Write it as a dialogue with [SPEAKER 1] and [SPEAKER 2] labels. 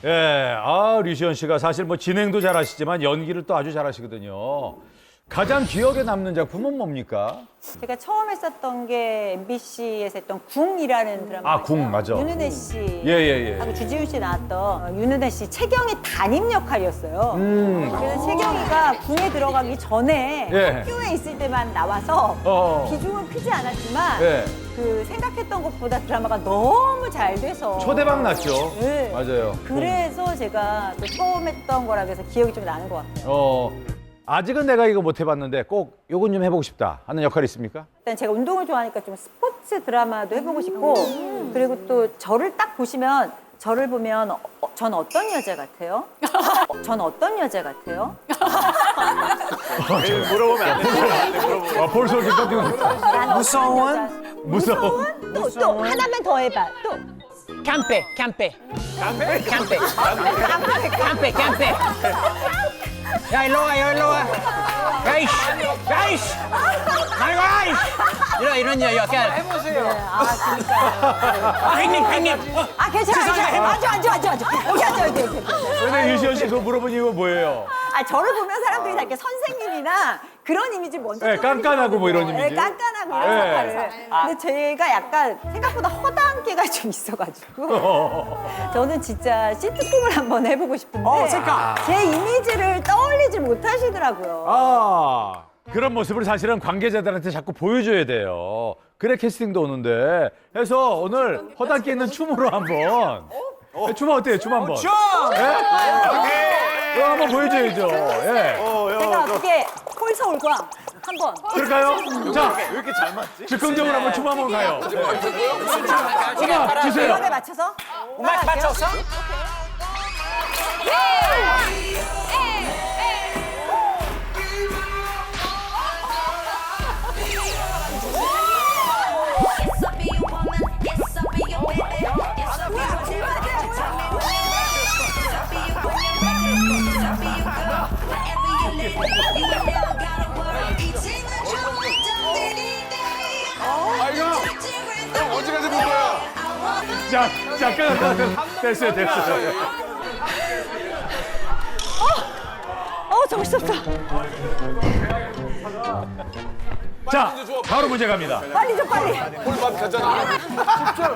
[SPEAKER 1] 예, 류시연 씨가 사실 뭐 진행도 잘하시지만 연기를 또 아주 잘하시거든요. 가장 기억에 남는 작품은 뭡니까?
[SPEAKER 2] 제가 처음 했었던 게 MBC에서 했던 궁이라는 드라마.
[SPEAKER 1] 궁, 맞아.
[SPEAKER 2] 윤은혜 씨
[SPEAKER 1] 예.
[SPEAKER 2] 하고 주지훈 씨 나왔던 윤은혜 씨 채경의 담임 역할이었어요. 그래서 채경이가 궁에 들어가기 전에
[SPEAKER 1] 예.
[SPEAKER 2] 학교에 있을 때만 나와서 비중은 크지 않았지만
[SPEAKER 1] 예.
[SPEAKER 2] 그 생각했던 것보다 드라마가 너무 잘 돼서
[SPEAKER 1] 초대박 났죠.
[SPEAKER 2] 네.
[SPEAKER 1] 맞아요.
[SPEAKER 2] 그래서 제가 또 처음 했던 거라 그래서 기억이 좀 나는 것 같아요.
[SPEAKER 1] 아직은 내가 이거 못 해봤는데 꼭 요건 좀 해보고 싶다 하는 역할이 있습니까?
[SPEAKER 2] 일단 제가 운동을 좋아하니까 좀 스포츠 드라마도 해보고 싶고 그리고 또 저를 딱 보시면 저를 보면 전 어떤 여자 같아요? 전 어떤 여자 같아요?
[SPEAKER 3] 물어보면 안 돼.
[SPEAKER 1] 벌써 이렇게 깜짝 놀랐다.
[SPEAKER 2] 무서운? 또 하나만 더 해봐. 또
[SPEAKER 4] Campe. Ya, 일로와. 가이씨. 이런 약간. 형님.
[SPEAKER 2] 아 괜찮아. 앉아. 오케이.
[SPEAKER 1] 근데 유시연 씨 그거 물어본 이유가 뭐예요?
[SPEAKER 2] 아 저를 보면 사람들이 다 이렇게 선생님이나 그런 이미지 먼저.
[SPEAKER 1] 네, 깐깐하고 뭐 이런 이미지.
[SPEAKER 2] 네, 깐깐하고 이런
[SPEAKER 1] 네.
[SPEAKER 2] 역할을. 근데 제가 약간 생각보다 허다한 게가 좀 있어가지고 저는 진짜 시트콤을 한번 해보고 싶은데 제 이미지를 떠올리지 못하시더라고요.
[SPEAKER 1] 그런 모습을 사실은 관계자들한테 자꾸 보여줘야 돼요. 그래 캐스팅도 오는데. 해서 오늘 허당끼 있는 춤으로 한번. 춤 어때요? 춤 한번. 이거 한번 보여줘야죠. 예.
[SPEAKER 2] 제가 어떻게 홀서울과 한번.
[SPEAKER 1] 그럴까요? 자,
[SPEAKER 3] 왜 이렇게 잘 맞지?
[SPEAKER 1] 즉흥적으로 한번 춤 한번 가요. 음악 주세요.
[SPEAKER 2] 음악에 맞춰서.
[SPEAKER 4] 음악 맞춰서?
[SPEAKER 3] 언제까지 볼 거야?
[SPEAKER 1] 잠깐. 됐어요.
[SPEAKER 2] 정신없어.
[SPEAKER 1] 자, 바로 문제 갑니다.
[SPEAKER 2] 빨리 좀 빨리.
[SPEAKER 3] 홀밥 갔잖아.